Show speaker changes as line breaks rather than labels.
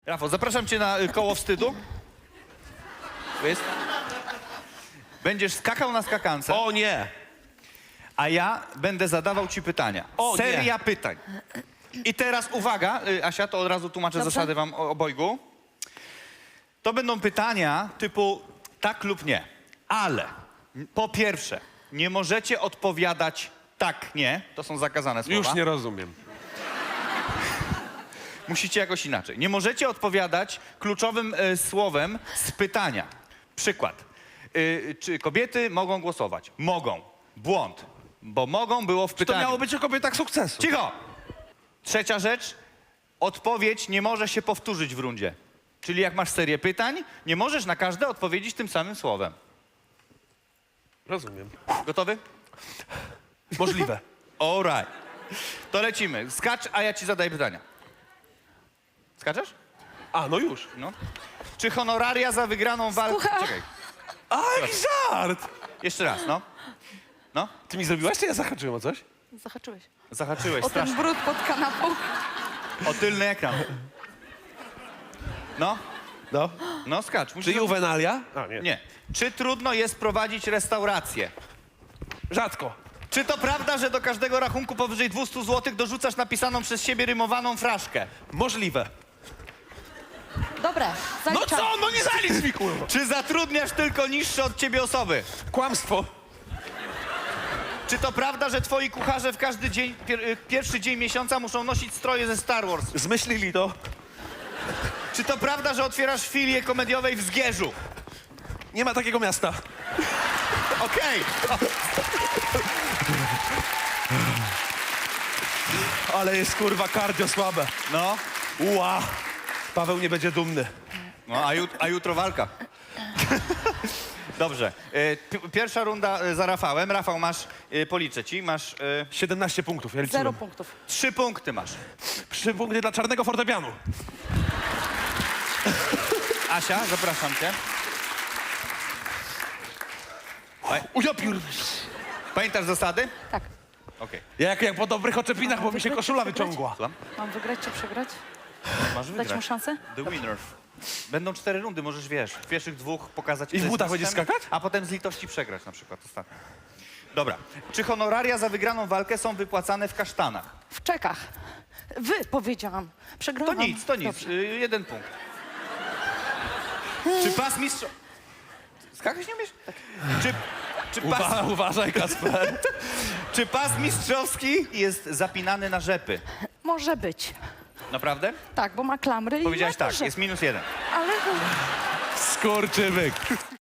Rafał, zapraszam cię na koło wstydu. Tu jest. Będziesz skakał na skakance,
O nie!
a ja będę zadawał ci pytania.
O,
Seria pytań. I teraz uwaga, Asia, to od razu tłumaczę
Dobrze.
zasady wam obojgu. To będą pytania typu tak lub nie. Ale po pierwsze, nie możecie odpowiadać tak, nie. To są zakazane słowa.
Już nie rozumiem.
Musicie jakoś inaczej. Nie możecie odpowiadać kluczowym słowem z pytania. Przykład. Czy kobiety mogą głosować? Mogą. Błąd. Bo mogą było w
To
pytaniu.
miało być o kobietach sukcesu.
Cicho! Trzecia rzecz. Odpowiedź nie może się powtórzyć w rundzie. Czyli jak masz serię pytań, nie możesz na każde odpowiedzieć tym samym słowem.
Rozumiem.
Gotowy?
Możliwe.
All right. To lecimy. Skacz, a ja ci zadaję pytania. Skaczesz?
A, no już.
No. Czy honoraria za wygraną walkę...
Słucham.
Czekaj.
A, jaki żart!
Jeszcze raz, no. No.
Ty mi zrobiłaś, czy ja zahaczyłem o coś?
Zahaczyłeś.
Zahaczyłeś
O ten
strasznie.
brud pod kanapą.
O tylny ekran. No.
No.
No, skacz. Musisz...
Czy juwenalia? A, nie.
Nie. Czy trudno jest prowadzić restaurację?
Rzadko.
Czy to prawda, że do każdego rachunku powyżej 200 zł dorzucasz napisaną przez siebie rymowaną fraszkę?
Możliwe.
Dobre,
No
zaliczam.
co? No nie zalicz mi, kurwa!
Czy zatrudniasz tylko niższe od ciebie osoby?
Kłamstwo.
Czy to prawda, że twoi kucharze w każdy dzień, pierwszy dzień miesiąca muszą nosić stroje ze Star Wars?
Zmyślili to.
Czy to prawda, że otwierasz filię komediowej w Zgierzu?
Nie ma takiego miasta.
Okej.
Ale jest, kurwa, kardio słabe.
No.
Ua! Paweł nie będzie dumny.
No, a jutro walka. Dobrze. Pierwsza runda za Rafałem. Rafał, masz, policzę ci, masz
17 punktów, ja liczyłem.
0 punktów.
3 punkty masz.
3 punkty dla czarnego fortepianu.
Asia, zapraszam cię.
Ujopiór.
Pamiętasz zasady?
Tak.
Okej.
Jak po dobrych oczepinach, bo mi się koszula wyciągła.
Słucham?
Mam wygrać czy przegrać?
Masz
Dać
wygrać.
mu szansę?
The winner. Będą 4 rundy, możesz, wiesz, w pierwszych 2 pokazać...
I w
kto jest
butach
mistrzem,
będziesz skakać?
A potem z litości przegrać na przykład ostatnio. Dobra. Czy honoraria za wygraną walkę są wypłacane w kasztanach?
W czekach. Wy powiedziałam.
To
Przegrałam.
nic, to nic.
Dobrze.
1 punkt. Czy pas mistrz... Skakać nie umiesz?
Uważaj, Kasper.
Czy pas mistrzowski jest zapinany na rzepy?
Może być.
Naprawdę?
Tak, bo ma klamry
Powiedziałaś
i ma
tak,
duże.
jest -1.
Ale
Skurczybyk.